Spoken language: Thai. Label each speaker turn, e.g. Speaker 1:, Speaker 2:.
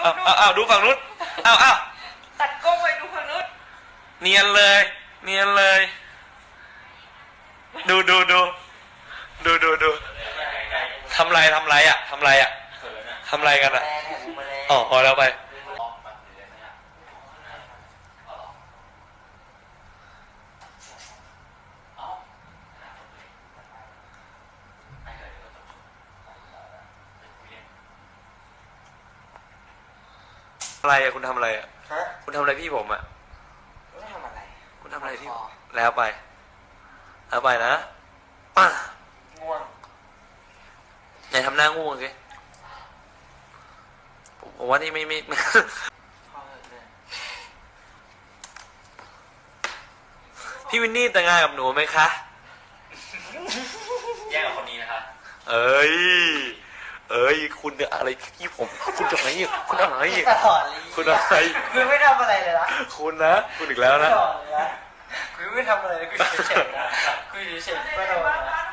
Speaker 1: เอาดูฝั่งนู้นเอา
Speaker 2: ตัดกล้องไปดูฝั่งนู้น
Speaker 1: เนียนเลยเนียนเลยดูทำไรอ่ะทำไรกันอ่ะอ๋อพอแล้วไปอะไรอ่ะคุณทำอะไรอ่ะคุณทำอะไรพี่ผมอ่ะ
Speaker 2: ไม่ทำอะไร
Speaker 1: คุณทำอะไรพี่แล้วไปนะ
Speaker 2: ง่วง
Speaker 1: ไหนทำหน้าง่วงสิผมว่านี่ไม่พี่วินนี่แต่งงานกับหนูไหมคะ
Speaker 2: แย่งกับคนนี้นะคะ
Speaker 1: เอ้ยคุณเนี่ยอะไรที่ผมคุณจะอะไรคุณอะไรคุณอะไร
Speaker 2: คุณไม่ทำอะไรเลยนะ
Speaker 1: คุณนะคุณอีกแล้วนะ
Speaker 2: คุณไม่ทำอะไรเลยคุณเฉยๆนะคุณเฉยๆก็โดนนะ